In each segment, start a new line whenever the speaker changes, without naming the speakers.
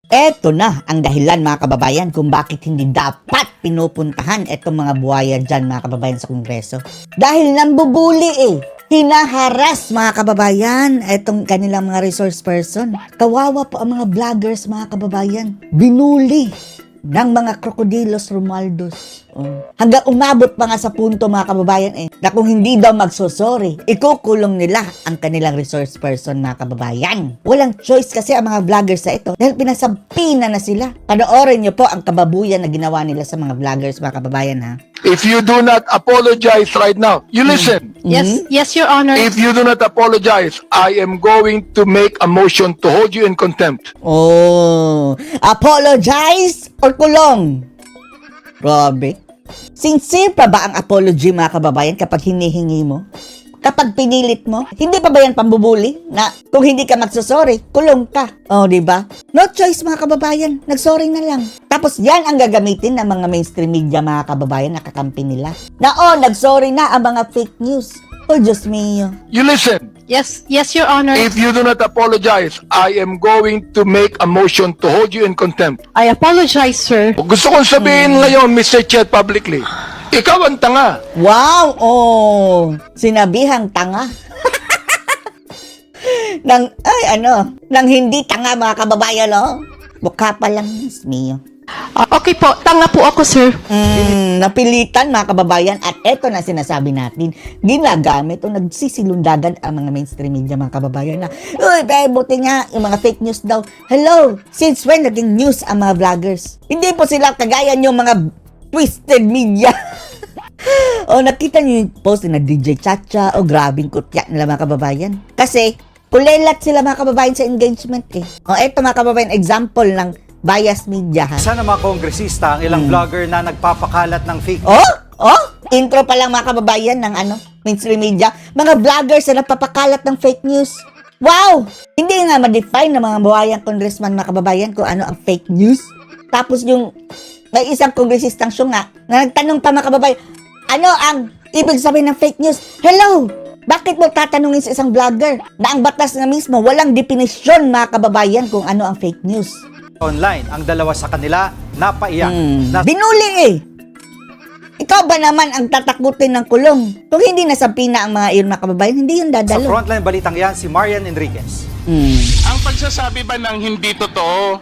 Eto na ang dahilan mga kababayan kung bakit hindi dapat pinupuntahan etong mga buhaya dyan mga kababayan sa Kongreso. Dahil nambubuli hinaharas mga kababayan etong kanilang mga resource person. Kawawa po ang mga vloggers mga kababayan. Binuli ng mga krokodilos Romualdus. Hanggang umabot pa nga sa punto mga kababayan na kung hindi daw magsosorry, ikukulong nila ang kanilang resource person mga kababayan. Walang choice kasi ang mga vloggers sa ito dahil pinasampina na sila. Panoorin niyo po ang kababuyan na ginawa nila sa mga vloggers mga kababayan ha.
If you do not apologize right now, you listen.
Yes, Your Honor.
If you do not apologize, I am going to make a motion to hold you in contempt.
Oh, apologize or kulong? Grabe. Sincere pa ba ang apology mga kababayan kapag hinihingi mo? Kapag pinilit mo? Hindi pa ba yan pambubuli? Na kung hindi ka magsusorry, kulong ka. Oh, di ba? No choice mga kababayan, nagsorry na lang. Tapos yan ang gagamitin ng mga mainstream media mga kababayan na kakampi nila. Na nagsorry na ang mga fake news. Oh, Diyos mio.
You listen.
Yes, Your Honor.
If you do not apologize, I am going to make a motion to hold you in contempt.
I apologize, sir.
Gusto kong sabihin ngayon, Mr. Chet, publicly, ikaw ang tanga.
Wow! Sinabihang tanga. nang hindi tanga mga kababayan, Mukha pa lang, Diyos mio.
Okay po, tanga po ako, sir.
Napilitan mga kababayan at eto na sinasabi natin, ginagamit o nagsisilundagan ang mga mainstream media mga kababayan na, uy, buti nga, yung mga fake news daw. Hello, since when naging news ang mga vloggers? Hindi po sila kagaya yung mga twisted media. Nakita niyo yung post na DJ Chacha grabing kutya nila mga kababayan. Kasi, kulelat sila mga kababayan sa engagement eto mga kababayan, example ng bias media ha.
Sana mga kongresista ang ilang vlogger na nagpapakalat ng fake
Intro pa lang mga kababayan ng mainstream media. Mga vloggers na nagpapakalat ng fake news. Wow! Hindi nga ma-define ng mga buhayang congressman mga kababayan kung ano ang fake news. Tapos yung may isang kongresistang syunga na nagtanong pa mga kababayan, ano ang ibig sabihin ng fake news? Hello! Bakit mo tatanungin sa isang vlogger na ang batas na mismo walang definisyon mga kababayan kung ano ang fake news?
online. Ang dalawa sa kanila napaiyak.
Binuli Ikaw ba naman ang tatakutin ng kulong? Kung hindi nasampina ang mga iyon mga kababayan, hindi yun
Sa
dadalo.
frontline balitang yan, si Marian Enriquez.
Ang pagsasabi ba ng hindi totoo,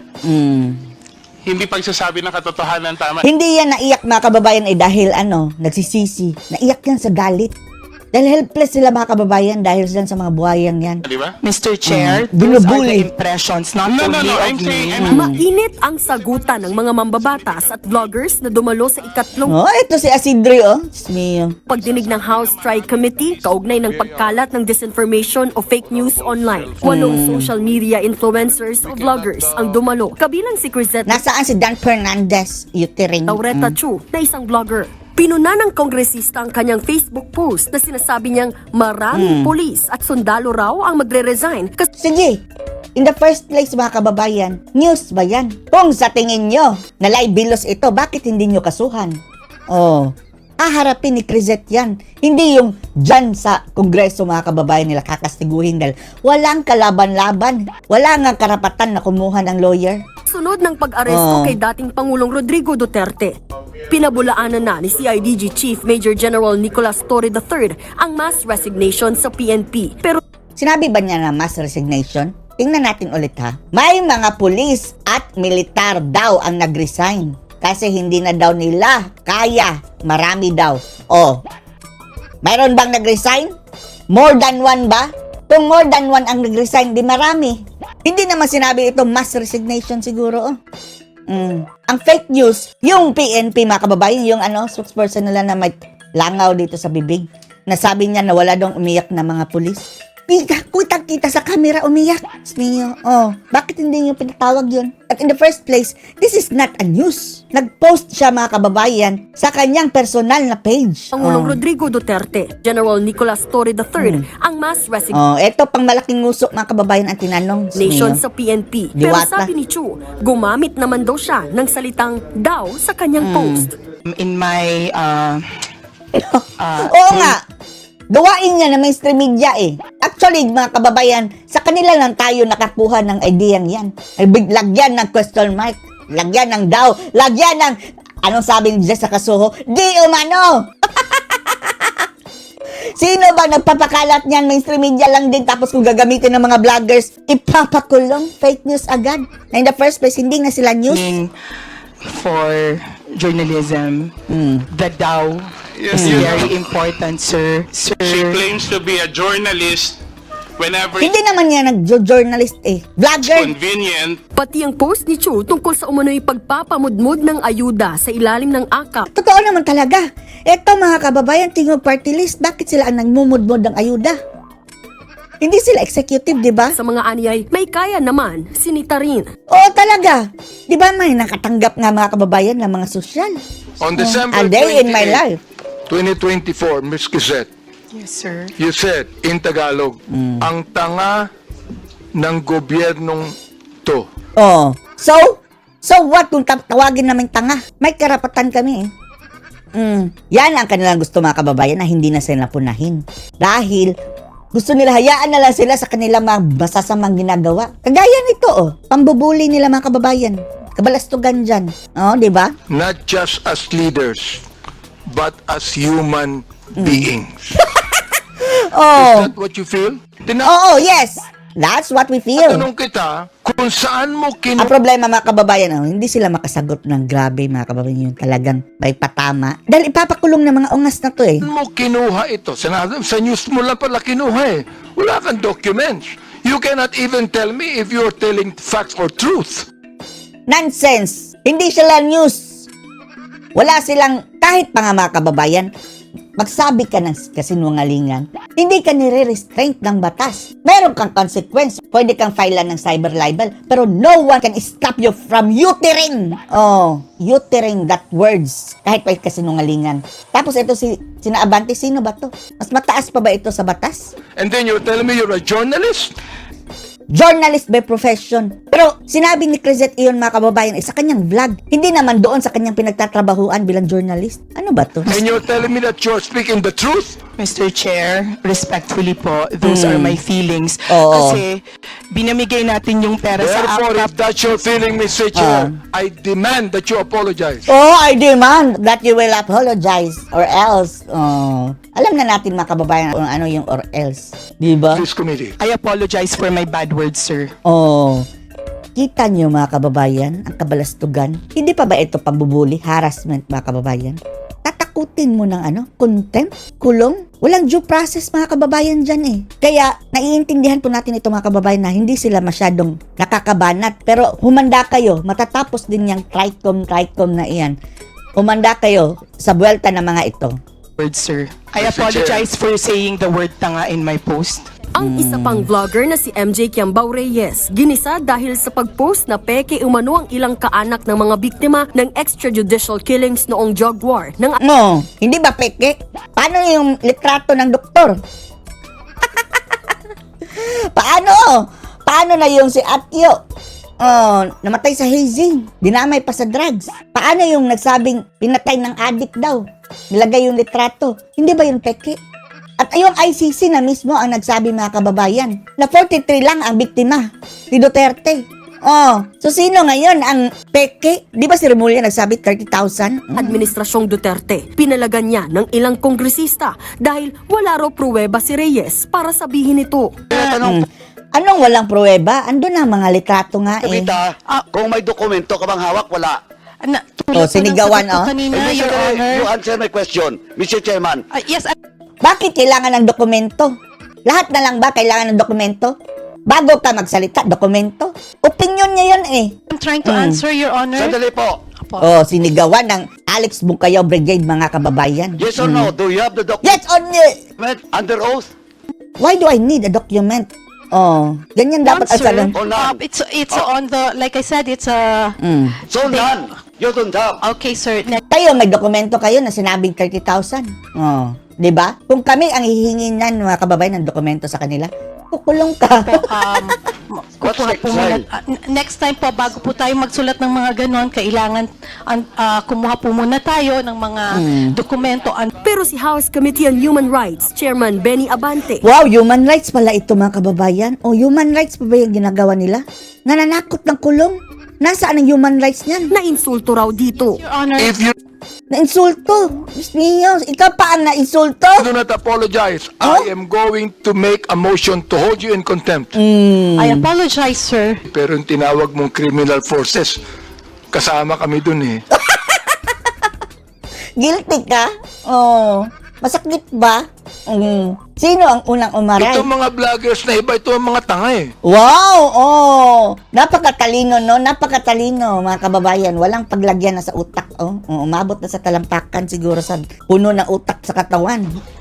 hindi pagsasabi ng katotohanan tama?
Hindi yan naiyak mga kababayan dahil nagsisisi. Naiyak yan sa galit. Dahil helpless sila mga kababayan dahil sila sa mga buhayang yan.
Di ba?
Mr. Chair, those are the
Binubuli.
impressions not
No,
only of
I'm saying,
me.
Mainit ang sagutan ng mga mambabatas at vloggers na dumalo sa ikatlong
Ito si Asidre Diyos mio.
pagdinig ng House Tri-Committee kaugnay ng pagkalat ng disinformation o fake news online. 8 social media influencers o vloggers ang dumalo, kabilang si Crisette
Nasaan si Dan Fernandez? Uterine.
Laureta Chu na isang vlogger. Pinuna ng kongresista ang kanyang Facebook post na sinasabi niyang maraming polis at sundalo raw ang magre-resign
Sige, in the first place mga kababayan, news ba yan? Kung sa tingin nyo na libelos ito, bakit hindi nyo kasuhan? Haharapin ni Crisette yan. Hindi yung dyan sa kongreso mga kababayan nila kakastiguhin dahil walang kalaban-laban. Wala nga karapatan na kumuha ng lawyer.
sunod ng pag-aresto kay dating Pangulong Rodrigo Duterte. Pinabulaanan na ni CIDG Chief Major General Nicolas Torre III ang mass resignation sa PNP. Pero
Sinabi ba niya na mass resignation? Tingnan natin ulit ha. May mga pulis at militar daw ang nag-resign. Kasi hindi na daw nila kaya. Marami daw. Mayroon bang nag-resign? More than one ba? Kung more than one ang nag-resign, di marami. Hindi naman sinabi ito mass resignation siguro. Ang fake news, yung PNP mga kababayan, yung spokesperson nila na may langaw dito sa bibig. Nasabi niya na wala daw umiyak na mga pulis. Kita sa camera umiyak. Mio. Bakit hindi niyo pinatawag yun? At in the first place, this is not a news. Nag-post siya mga kababayan sa kanyang personal na page.
Pangulong Rodrigo Duterte, General Nicolas Torre III ang mass resignation
Ito pang malaking ngusok mga kababayan ang tinanong.
sa PNP. Pero
Diwata.
sabi ni Chu, gumamit naman daw siya ng salitang daw sa kanyang post.
In my
Oo nga. Gawain nga na mainstream media eh. Actually, mga kababayan, sa kanila lang tayo nakakuha ng ideyang yan. Lagyan ng question mark, lagyan ng daw, lagyan ng, anong sabi ni Jess sa Kasuho? Di umano! Sino ba nagpapakalat niyan? Mainstream media lang din, tapos kung gagamitin ng mga vloggers, ipapakulong, fake news agad. Na in the first place, hindi na sila news.
For journalism, the DAO
Yes,
is
you
very
know.
important, sir.
She
Sir,
claims to be a journalist whenever
Hindi naman yan nag-journalist eh.
it's
Vlogger.
convenient.
Pati ang post ni Chu tungkol sa umano'y pagpapamudmod ng ayuda sa ilalim ng AKAP.
Totoo naman talaga. Eto mga kababayan, tingin party list, bakit sila ang nagmumudmod ng ayuda? Hindi sila executive, di ba?
Sa mga anyay, may kaya naman, sinita rin.
Oo talaga. Di ba may nakatanggap nga mga kababayan ng mga sosyal?
On December
A day in my
28,
life.
2024, Ms. Kizet,
yes, sir.
you said in Tagalog, ang tanga ng gobyernong to.
Oh. So what kung tawagin namin tanga? May karapatan kami eh. Yan ang kanilang gusto mga kababayan na hindi na sila punahin. Dahil gusto nila hayaan na lang sila sa kanilang mga masasamang ginagawa. Kagaya nito oh, pambubuli nila mga kababayan. Kabalastugan dyan. Oh, di ba?
Not just as leaders, but as human beings.
Oh.
Is that what you feel?
Oo, yes. That's what we feel.
Tanong kita, kung saan mo
Ang problema mga kababayan, hindi sila makasagot ng grabe mga kababayan, yung talagang may patama. Dahil ipapakulong ng mga ungas na to eh.
mo kinuha ito? Sa news mo lang pala kinuha eh. Wala kang documents. You cannot even tell me if you're telling facts or truth.
Nonsense! Hindi sila news. Wala silang, kahit pa nga mga kababayan, magsabi ka ng kasinungalingan, hindi ka nire-restraint ng batas. Meron kang consequence. Pwede kang filean ng cyber libel, pero no one can stop you from uttering. Oh, uttering that words. Kahit pa kasinungalingan. Tapos ito sina Abante, sino ba to? Mas mataas pa ba ito sa batas?
And then you're telling me you're a journalist?
Journalist by profession. Pero sinabi ni Crisette iyon mga kababayan sa kanyang vlog. Hindi naman doon sa kanyang pinagtatrabahuan bilang journalist. Ano ba to?
And you're telling me that you're speaking the truth?
Mr. Chair, respectfully po, those are my feelings.
Oo.
Kasi binamigay natin yung pera sa
Therefore,
AKAP.
if that's your feeling, Mr. Chair, I demand that you apologize.
Oh, I demand that you will apologize or else. Oh, alam na natin mga kababayan kung ano yung or else. Di ba?
This committee.
I apologize for my bad words, sir.
Oh. Kita nyo mga kababayan, ang kabalastugan. Hindi pa ba ito pambubuli, harassment mga kababayan? Tatakutin mo ng contempt, kulong. Walang due process mga kababayan dyan eh. Kaya naiintindihan po natin ito mga kababayan na hindi sila masyadong nakakabanat. Pero humanda kayo, matatapos din yung tricom na iyan. Humanda kayo sa buwelta ng mga ito.
Words, sir. I
Mr.
apologize for saying the word tanga in my post.
Ang isa pang vlogger na si MJ Kiambao Reyes, ginisa dahil sa pag-post na peke umano ang ilang kaanak ng mga biktima ng extrajudicial killings noong drug war ng
No, hindi ba peke? Paano yung litrato ng doktor? Paano? Paano na yung si Atyo? Oh, namatay sa hazing. Dinamay pa sa drugs. Paano yung nagsabing pinatay ng addict daw? Nilagay yung litrato. Hindi ba yung peke? At yung ICC na mismo ang nagsabi mga kababayan na 43 lang ang biktima ni Duterte. Oh, so sino ngayon ang peke? Di ba si Remulla nagsabi 30,000?
Administrasyong Duterte. Pinalagan niya ng ilang kongresista dahil wala raw pruweba si Reyes para sabihin ito.
Anong walang pruweba? Ando na mga litrato nga eh.
Kita, kung may dokumento ka bang hawak, wala.
Oh, sinigawan,
ng sagot ko
oh.
kanina,
Mr.
Your
Chair,
Honor.
you answer my question, Mr. Chairman.
Yes,
Bakit kailangan ng dokumento? Lahat na lang ba kailangan ng dokumento? Bago ka magsalita, dokumento? Opinion niya yun eh.
I'm trying to answer, Your Honor.
Sandali po.
Oh, sinigawan ng Alex Bukayaw Brigade mga kababayan.
Yes or no? Do you have the
Yes
document
or no?
under oath?
Why do I need a document? Oh, ganyan dapat
Sir,
asalan.
Or none?
it's on the, like I said, it's a...
So none. You don't have.
Okay, sir.
Kayo, may dokumento kayo na sinabing 30,000. Oh, di ba? Kung kami ang hihingin ng mga kababayan ng dokumento sa kanila, kukulong ka.
What's
kukuha po muna.
next?
Next time po, bago po tayo magsulat ng mga ganon, kailangan kumuha po muna tayo ng mga dokumento.
Pero si House Committee on Human Rights Chairman Benny Abante,
Wow, human rights pala ito mga kababayan. O human rights pa ba yung ginagawa nila? Nananakot ng kulong. Nasaan ang human rights niyan?
na insulto raw dito.
Your Honor,
If you
Na-insulto. Diyos niyo, ikaw pa ang na-insulto?
do not apologize, I am going to make a motion to hold you in contempt.
I apologize, sir.
Pero yung tinawag mong criminal forces, kasama kami dun eh.
Guilty ka? Oh. Masakit ba? Sino ang unang umaray?
Itong mga vloggers na iba, ito ang mga tanga eh.
Wow! Oh! Napakatalino, no? Napakatalino, mga kababayan. Walang paglagyan na sa utak, oh. Umabot na sa talampakan siguro sa puno ng utak sa katawan.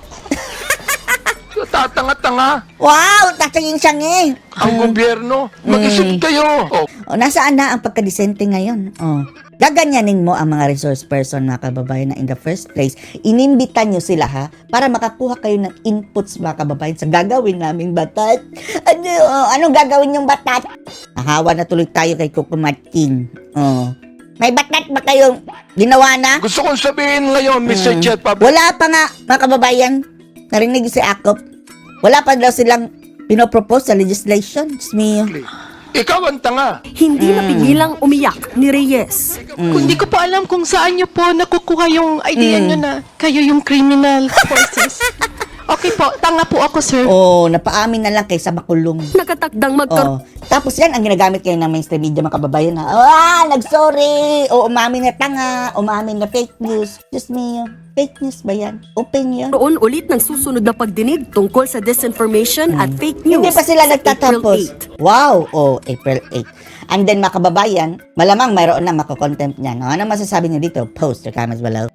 Tatanga-tanga.
Wow! Tataging siyang eh.
Ang gobyerno, mag-isip kayo. Oh,
Oh, nasaan na ang pagkadisente ngayon? Oh. Gaganyanin mo ang mga resource person, mga kababayan, na in the first place, inimbitan nyo sila, ha? Para makakuha kayo ng inputs, mga kababayan, sa gagawin naming batat. Anong gagawin yung batat? Nahawa na tuloy tayo kay Coco Martin. Oh. May batat ba kayong ginawa na?
gusto kong sabihin ngayon, Mr. Chet Pablo,
Wala pa nga, mga kababayan. Narinig si Akop. Wala pa daw silang pinopropose sa legislation. Diyos mio.
ikaw ang tanga.
Hindi napigilang umiyak ni Reyes.
Hindi ko po alam kung saan nyo po nakukuha yung idea nyo na kayo yung criminal forces. Okay po, tanga po ako, sir.
Oh, napaamin na lang kaysa makulong.
Nakatakdang magkaroon
Oh. Tapos yan ang ginagamit kayo ng mainstream media, mga kababayan, ha? Nagsorry! O umamin na tanga, umamin na fake news. Diyos mio, fake news ba yan? Opinion?
ulit ng susunod na pagdinig tungkol sa disinformation at fake news.
Hindi pa sila
sa April
nagtatapos.
8.
Wow! Oh, April 8. And then, mga kababayan, malamang mayroon na makakontempt niyan. Ano masasabi niyo dito? Post your comments below.